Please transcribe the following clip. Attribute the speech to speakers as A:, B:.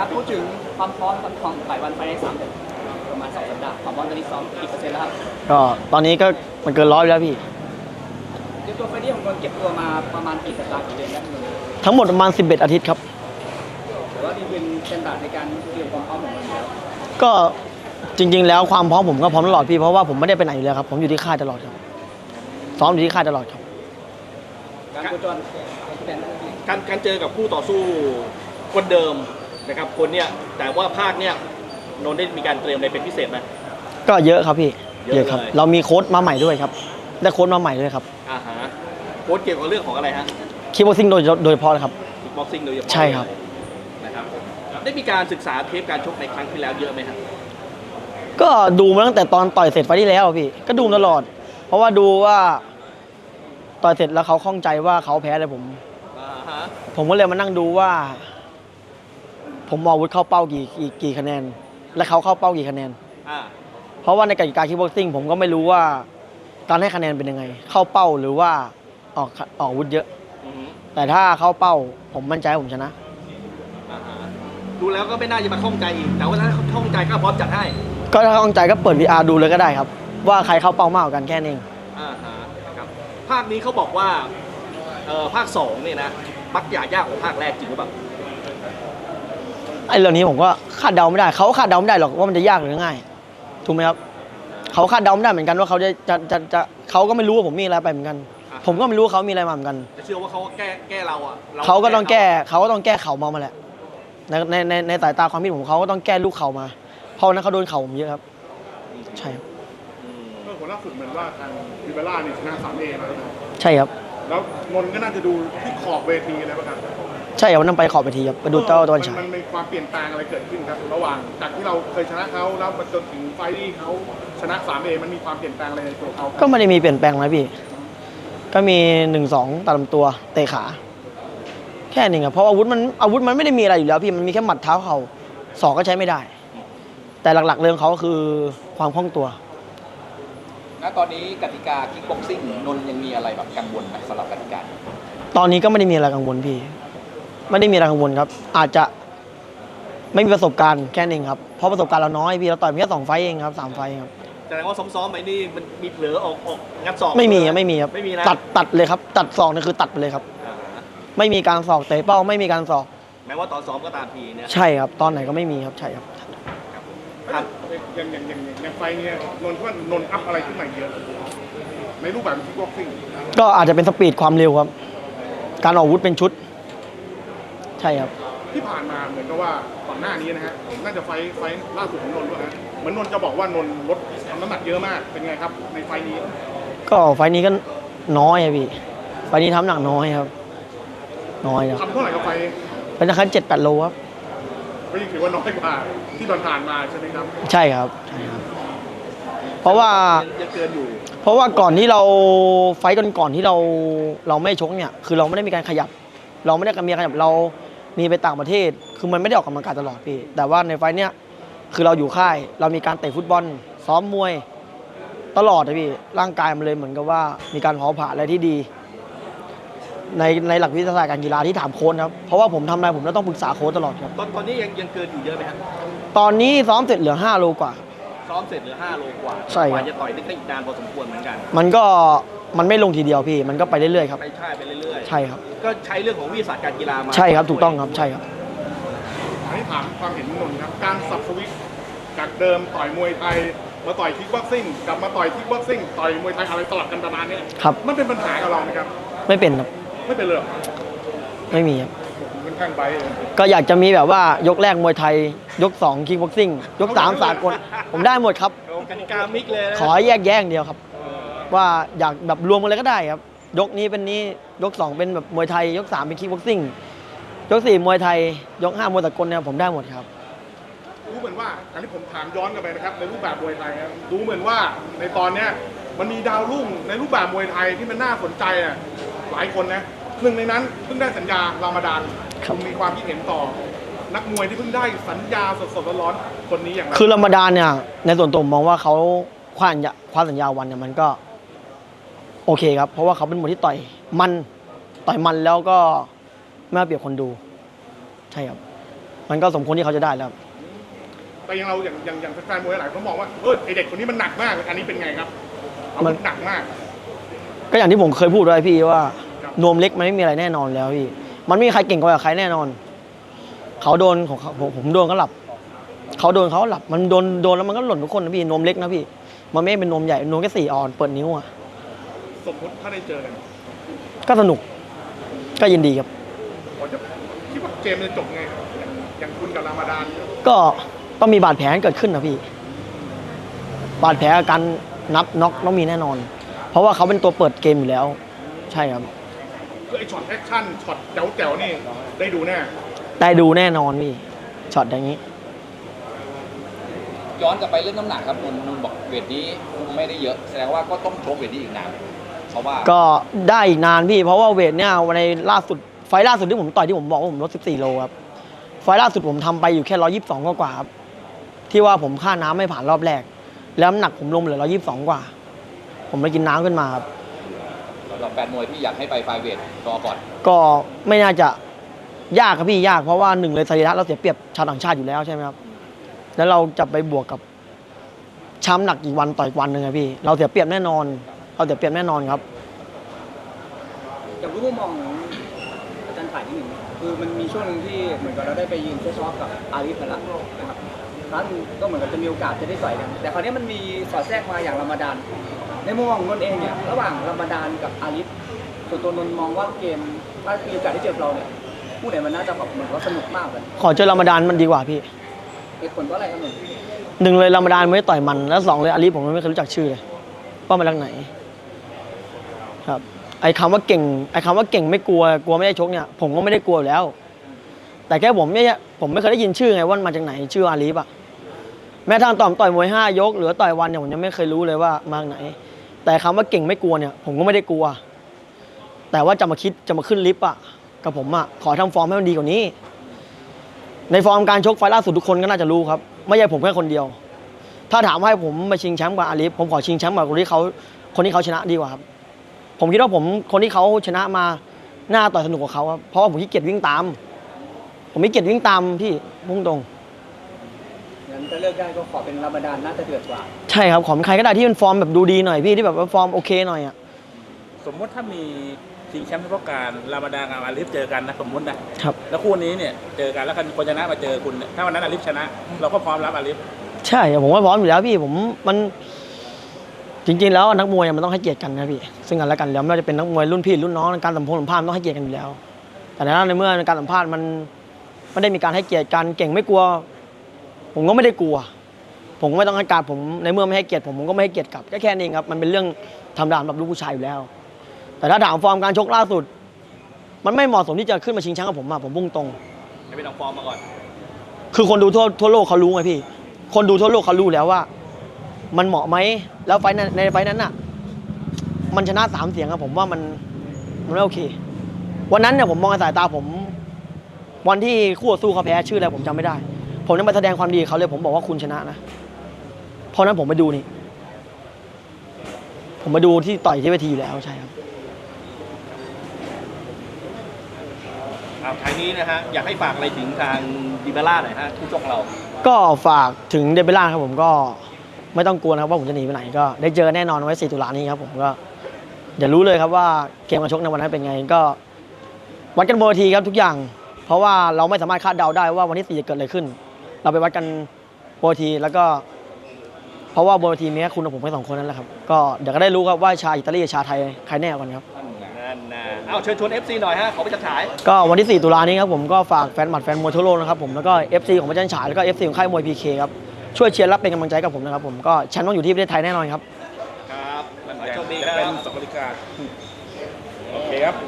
A: ครับพูดถึงความพร้อมของหลายวันไปใน3 เดือนประมาณ2 สัปดาห์ความพร้อมตอนนี้ซ้อมกี่เปอร์เซ็นต์แล้วครับ
B: ก็ตอนนี้ก็มันเกิน100แล้วพี่
A: เตรียมตัวไฟล์นี้ของคนเก็บตัวมาประมาณกี่สัปดาห์กี่เดือนแล้วมึง
B: ทั้งหมดประมาณ11อาทิตย์ครับ
A: หรือว่านี่เป็นสแตนดาร์ดในการเตรียมความพร้อมของมันแล้ว
B: ก็จริงๆแล้วความพร้อมผมก็พร้อมตลอดพี่เพราะว่าผมไม่ได้ไปไหนอยู่แล้วครับผมอยู่ที่ค่ายตลอดครับซ้อมอยู่ที่ค่ายตลอดครับ
A: การโคจร
C: การเจอกับคู่ต่อสู้คนเดิมนะครับคนเนี้ยแต่ว่าภาคเนี้ยนนท์ได้มีการเตรียมอะไรเป็นพิเศษไหม
B: ก็เยอะครับพี่
C: เยอะ
B: ครับ
C: เลย
B: เรามีโค้ชมาใหม่ด้วยครับได้โค้ชมาใหม่ด้วยครับ
C: ฮะโค้ชเกี่ยวกับเรื่องของอะไรฮะ
B: คิกบ็อกซิ่งโดยเฉพาะเลยครับ
C: คิกบ็อกซิ่งโดยเฉพาะ
B: ใช่ครับ
C: นะครับได้มีการศึกษาเทปการชกในครั้งที่แล้วเยอะไหมครับ
B: ก็ดูมาตั้งแต่ตอนต่อยเสร็จไฟล์ที่แล้วพี่ก็ดูตลอด เพราะว่าดูว่าต่อยเสร็จแล้วเขาข้องใจว่าเขาแพ้อะไรผมก็เลยมานั่งดูว่า ผมมองวุฒิเข้าเป้ากี่คะแนน และเขาเข้าเป้ากี่คะแนนเพราะว่าในกติกาคิกบ็อกซิ่งผมก็ไม่รู้ว่าการให้คะแนนเป็นยังไง เข้าเป้าหรือว่าออกวุฒิเยอะแต่ถ้าเข้าเป้าผมมั่นใจผมชนะ
C: ดูแล้วก็ไม่น่าจะมาข้องใจอีกแต่ว่าถ้าข้องใจก็พร้อมจัดให้
B: ก็ถ้าข้องใจก็เปิด VR ดูเลยก็ได้ครับว่าใครเข้าเป้ามากกว่ากันแค่นี้
C: ครับภาคนี้เขาบอกว่าภาค2เนี่ยนะมักยากกว่าภาคแรกจริงหรือเปล่า
B: ไอ้เรื่องนี้ผมก็คาดเดาไม่ได้เขาคาดเดาไม่ได้หรอกว่ามันจะยากหรือง่ายถูกไหมครับเขาคาดเดาไม่ได้เหมือนกันว่าเขาจะเขาก็ไม่รู้ว่าผมมีอะไรไปเหมือนกันผมก็ไม่รู้ว่าเขามีอะไรมาเหมือนกัน
C: แต่เชื่อว่าเขาแก้เราอ่ะ
B: เขาก็ต้องแก้เข่ามาแหละในสายตาความคิดผมเขาก็ต้องแก้ลูกเข่ามาเพราะนั้นเขาโดนเข่าผมเยอะครับใช่ครับ
D: ก็ผลล่าสุดเหมือนว่าทางวิเบล่านี่ชนะ3Aมาแล้ว
B: ใช่ครับ
D: แล้วนนท์ก็น่าจะดูที่ขอบเวทีอะไรบ้างครับ
B: ใช่ครับวันนั้นไปขอบเวทีครับไปดูเจ้าตะวันฉาย
D: มันมีความเปลี่ยนแปลงอะไรเกิดขึ้นครับระหว่างจากที่เราเคยชนะเขาแล้วมาจนถึงไฟที่เขาชนะ3Aมันมีความเปลี่ยนแปลงอะไรในตัวเขา
B: ก็ไม่ได้มีเปลี่ยนแปลงอะไรพี่ก็มี1-2ตัดลำตัวเตะขาแค่นี้ครับเพราะอาวุธมันไม่ได้มีอะไรอยู่แล้วพี่มันมีแค่หมัดเท้าเข่าศอกก็ใช้ไม่ได้แต่หลักๆเรื่องเขาก็คือความคล่องตัว
A: ณตอนนี้กติกาคิกบ็อกซิ่งนนท์ยังมีอะไรแบบกังวลไหมสำหรับกติกา
B: ตอนนี้ก็ไม่ได้มีอะไรกังวลพี่ไม่ได้มีอะไรกังวลครับอาจจะไม่มีประสบการณ์แค่นี้ครับเพราะประสบการณ์เราน้อยพี่เราต่อยเพียง2 ไฟต์เองครับ3 ไฟต์ครับ
C: แสดงว่าซ้อมๆไปนี่มันมีเผลอออกงัดศอก
B: ไม่มีครับไม่มีครับ
C: ไม่มีนะ
B: ตัดเลยครับตัดศอกนี่คือตัดไปเลยครับไม่มีการศอกเตะเป้าไม่มีการศอก
C: แม้ว่าตอนซ้อมก็ตามทีเนี่ย
B: ใช่ครับตอนไหนก็ไม่มีครับใช่ครับ
D: อย่างไฟนี้นนท์ว่านนท์อัพอะไรขึ้นมาเยอะในรูปแบบคิกบ็อกซิ่ง
B: ก็อาจจะเป็นสปีดความเร็วครับการออกอาวุธเป็นชุดใช่ครับ
D: ที่ผ่านมาเหมือนกับว่าก่อนหน้านี้นะฮะน่าจะไฟล่าสุดของนนท์ด้วยนะเหมือนนนท์จะบอกว่านนท์ลดน้ำหนักเยอะมากเป็นไงครับในไฟนี้
B: ก็ไฟนี้ก็น้อยครับพี่ไฟนี้ทำหนักน้อยครับน้อยครับ
D: ทำเท่าไหร่กับไฟ
B: เป็นราคา7-8 โลครับ
D: ก็ยังถือว่าน้อยกว่าที่ผ่านมาใช่ไหมครับ
B: ใช่ครับใช่ครับเพราะว่า
C: ยังเกินอยู่
B: เพราะว่าก่อนที่เราไฟก่อนที่เราไม่ชกเนี่ยคือเราไม่ได้มีการขยับเราไม่ได้มีขยับเรามีไปต่างประเทศคือมันไม่ได้ออกกำลังกายตลอดพี่แต่ว่าในไฟเนี้ยคือเราอยู่ค่ายเรามีการเตะฟุตบอลซ้อมมวยตลอดเลยพี่ร่างกายมันเลยเหมือนกับว่ามีการเผาผลาญอะไรที่ดีในหลักวิทยาศาสตร์การกีฬาที่ถามโค้ชครับเพราะว่าผมทำอะไรผมต้องปรึกษาโค้ชตลอดครับ
C: ตอนนี้ยังเกินอยู่เยอะไหมครับ
B: ตอนนี้ซ้อมเสร็จเหลือ5 โลกว่า
C: ซ้อมเสร็จเหลือ5 โลกว่า
B: ใช่ครับ
C: จะต่อยได้อีกนานพอสมควรเหมือนกัน
B: มันไม่ลงทีเดียวพี่มันก็ไปเรื่อยๆครับ
C: ไปเรื่อย
B: ๆใช่ครับ
C: ก็ใช้เรื่องของวิทยาศาสตร์การกีฬามา
B: ใช่ครับถูกต้องครับใช่ครับ
D: อันนี้ถามความเห็นนนท์ครับการสับสวิตจากเดิมต่อยมวยไทยมาต่อยคิกบ็อกซิ่งกลับมาต่อยคิกบ็อกซิ่งต่อยมวยไทยอะไรสลับกันประมาณนี้
B: ครับ
D: มันเป็นปัญหากับเราไหมครับ
B: ไม่เป็นครับ
D: ไม่เป็นเลย
B: ไม่มีครับ
D: เป็นข้างใบ
B: ก็อยากจะมีแบบว่ายกแรกมวยไทยยก2คิกบ็อกซิ่งยก3สากลผมได้หมดครับ
C: กติกามิกเลย
B: ขอแยกเดียวครับว่าอยากแบบรวมกันเลยก็ได้ครับยกนี้เป็นนี้ยก2เป็นแบบมวยไทยยก3เป็นคิกบ็อกซิ่งยก4มวยไทยยก5มวยสากลเนี่ยผมได้หมดครับ
D: รู้เหมือนว่าอันนี้ผมถามย้อนกลับไปนะครับในรูปแบบมวยไทยครับรู้เหมือนว่าในตอนเนี้ยมันมีดาวรุ่งในรูปแบบมวยไทยที่มันน่าสนใจอ่ะหลายคนนะหนึ่งในนั้นเพิ่งได้สัญญารามฎานคุณมีความคิดเห็นต่อนักมวยที่เพิ่งได้สัญญาสดๆร้อนๆคนนี้อย่างไร
B: คือรามฎานเนี่ยในส่วนตัวผมมองว่าเขาคว้าสัญญาวันเนี่ยมันก็โอเคครับเพราะว่าเขาเป็นมวยที่ต่อยมันแล้วก็ไม่เอาเปรียบคนดูใช่ครับมันก็สมควรที่เขาจะได้แล้ว
D: แต่อย่างเราอย่างแฟนมวยหลายคนมองว่าไอเด็กคนนี้มันหนักมากอันนี้เป็นไงครับมันหนักมาก
B: ก็อย่างที่ผมเคยพูดไว้พี่ว่า
D: ครับ
B: นวมเล็กมันไม่มีอะไรแน่นอนแล้วพี่มันไม่มีใครเก่งกว่าใครแน่นอนเขาโดนของเขาผมโดนเขาหลับเขาโดนเขาหลับมันโดนแล้วมันก็หล่นทุกคนนะพี่นวมเล็กนะพี่มันไม่เป็นนวมใหญ่นวมแค่4 ออนเปิดนิ้วอ่ะ
D: สมมติถ้าได้เจอกัน
B: ก็สนุกก็ยินดีครับ
D: ผมจะคิดว่าเกมจะจบไงครับอย่างคุณกับรามาดาน
B: ก็ต้องมีบาดแผลเกิดขึ้นนะพี่บาดแผลอาการนับน็อกต้องมีแน่นอน เพราะว่าเขาเป็นตัวเปิดเกมอยู่แล้ว ใช่ครับ
D: คือไอช็อตแอคชั่นช็อตแจ๋วๆนี่ได้ดูแน่
B: ได้ดูแน่นอนพี่ช็อตอย่างนี้
A: ย้อนกลับไปเรื่องน้ำหนักครับนนบอกเวทนี้ไม่ได้เยอะแสดงว่าก็ต้องชกเวทนี้อีกนานเพราะว่า
B: ก็ได้อีกนานพี่เพราะว่าเวทเนี่ยในล่าสุดไฟล์ล่าสุดที่ผมต่อยที่ผมบอกว่าผมลด14 โลครับไฟล์ล่าสุดผมทำไปอยู่แค่122กว่าครับที่ว่าผมค่าน้ำไม่ผ่านรอบแรกแล้วน้ำหนักผมลงเหลือ122กว่าผมไปกินน้ำขึ้นมาครับ
A: สำหรับแฟนมวยที่อยากให้ไปไฟเวทรอก่อน
B: ก็ไม่น่าจะยากครับพี่ยากเพราะว่าหนึ่งเลยสรีระเราเสียเปรียบชาวต่างชาติอยู่แล้วใช่ไหมครับแล้วเราจะไปบวกกับช้ำหนักอีกวันต่อยวันหนึ่งครับพี่เราเสียเปรียบแน่นอนเราเสียเปรียบแน่นอนครับ
E: อย่างรู้มุมมองของอาจารย์ฝ่ายที่หนึ่งคือมันมีช่วงหนึ่งที่เหมือนกับเราได้ไปยืนเฟซออฟกับอาลีฟกันละนะครับครั้งก็เหมือนกับจะมีโอกาสจะได้ต่อยกันแต่คราวนี้มันมีสอดแทรกมาอย่างรามาดานในมุมมองของนนท์เองเนี่ยระหว่างรามาดานกับอาลีฟส่วนตัวนนท์มองว่าเกมถ้ามีโอกาสได้เจอเราเนี่ยคู่ไหนมันน่าจะแบบเหมือนว่าสนุกมากเลย
B: ขอเจอรามฎานมันดีกว่าพี่
E: เหตุผลว่าอะไรครับนนท์
B: หนึ่งเลยรามฎานไม่ได้ต่อยมันแล้วสองเลยอาลีผมไม่เคยรู้จักชื่อเลยว่ามาจากไหนครับไอ้คำว่าเก่งไม่กลัวไม่ได้ชกเนี่ยผมก็ไม่ได้กลัวอยู่แล้ว แต่แค่ผมไม่เคยได้ยินชื่อไงว่ามันมาจากไหนชื่ออาลีฟอะแม้ทางต่อยมวย5 ยกหรือต่อยวันเนี่ยผมยังไม่เคยรู้เลยว่ามาจากไหน แต่คำว่าเก่งไม่กลัวเนี่ยผมก็ไม่ได้กลัว แต่ว่าจะมาขึ้นลิฟต์อะกับผมอะขอทำฟอร์มให้มันดีกว่านี้ ในฟอร์มการชกไฟล์ล่าสุดทุกคนก็น่าจะรู้ครับไม่ใช่ผมแค่คนเดียว ถ้าถามว่าให้ผมมาชิงแชมป์กับอาลีฟผมขอชิงแชมป์กับคนที่เขาชนะดีกว่าครับผมคิดว่าคนที่เขาชนะมาหน้าต่อยสนุกกว่าเขาครับเพราะว่าผมขี้เกียจวิ่งตาม ผมไม่เกียจวิ่งตามพี่พุ่งตรง
E: งั้นก็เลือกได้ก็ขอเป็นรามาดานน่าจะเดือดกว่า
B: ใช่ครับขอเป็นใครก็ได้ที่เป็นฟอร์มแบบดูดีหน่อยพี่ที่แบบว่าฟอร์มโอเคหน่อยอ่ะ
F: สมมติถ้ามีชิงแชมป์เฉพาะการรามาดานกับอาลิฟเจอกันนะสมมตินะครับ แล้วคู่นี้เนี่ยเจอกันแล้วคนชนะมาเจอคุณเนี่ยถ้าวันนั้นอาลิฟชนะ เราก็พร้อมรับอาลิฟ
B: ใช่ผมว่าพร้อมอยู่แล้วพี่มันจริงๆแล้วนักมวยมันต้องให้เกียรติกันนะพี่ซึ่งกันและกันแล้วไม่ว่าจะเป็นนักมวยรุ่นพี่รุ่นน้องการสัมภาษณ์มันต้องให้เกียรติกันอยู่แล้ว แต่ในเมื่อการสัมภาษณ์มันไม่ได้มีการให้เกียรติกันเก่งไม่กลัว ผมก็ไม่ได้กลัว ผมก็ไม่ต้องให้การผมในเมื่อไม่ให้เกียรติผมก็ไม่ให้เกียรติกลับแค่นี้ครับมันเป็นเรื่องธรรมดาสำหรับลูกผู้ชายอยู่แล้ว แต่ถ้าถามฟอร์มการชกล่าสุด มันไม่เหมาะสมที่จะขึ้นมาชิงแชมป์กับผมผมพุ่งตรง
C: ให้เป็นเอาฟอร์มมาก่อน
B: คือคนดูทั่วโลกเขารู้ไงพี่ คนดูทั่วโลกเขารู้แล้วว่า มันเหมาะไหมแล้วในไฟนั้นน่ะ มันชนะ3 เสียงครับผมว่ามันไม่โอเค วันนั้นเนี่ยผมมองในสายตาผม วันที่คู่ต่อสู้เขาแพ้ชื่ออะไรผมจำไม่ได้ ผมยังไปแสดงความดีกับเขาเลยผมบอกว่าคุณชนะนะเพราะนั้นผมไปดูนี่ ผมมาดูที่ต่อยที่เวทีอยู่แล้วใช่ครับ
C: ท้ายนี้นะฮะอยากให้ฝากอะไรถึงทางดิเบล่าหน่อยฮะผู้ชกเรา
B: ก็ฝากถึงเดบิล่าครับผมก็ไม่ต้องกลัวนะครับว่าผมจะหนีไปไหนก็ได้เจอแน่นอนไว้4 ตุลานี้ครับผมก็อย่ารู้เลยครับว่าเกมการชกในวันนั้นเป็นไงก็วัดกันบนเวทีครับทุกอย่าง เพราะว่าเราไม่สามารถคาดเดาได้ว่าวันที่4จะเกิดอะไรขึ้น เราไปวัดกันบนเวทีแล้วก็เพราะว่าบนเวทีมีแค่คุณกับผมแค่2 คนนั่นแหละครับก็เดี๋ยวก็ได้รู้ครับว่าชาวอิตาลีกับชาวไทยใครแน่กว่ากันครับ
C: นั่นนะเอาเชิญชวน FC หน่อยฮะขอไปจัดฉาย
B: ก็วันที่4 ตุลานี้ครับผมก็ฝากแฟนหมัดแฟนมวยทั่วโลกนะครับผมแล้วก็ FC ของพระจันทร์ฉายแล้วก็ FC ของค่ายมวย PK ครับช่วยเชียร์รับเป็นกำลังใจกับผมนะครับผมก็แชมป์ต้องอยู่ที่ประเทศไทยแน่นอนครับ
C: ครับขอให้โชคดีค
F: จะ
C: รั
F: เป็น
C: บ
F: 2 นาฬิกาโอเคครับ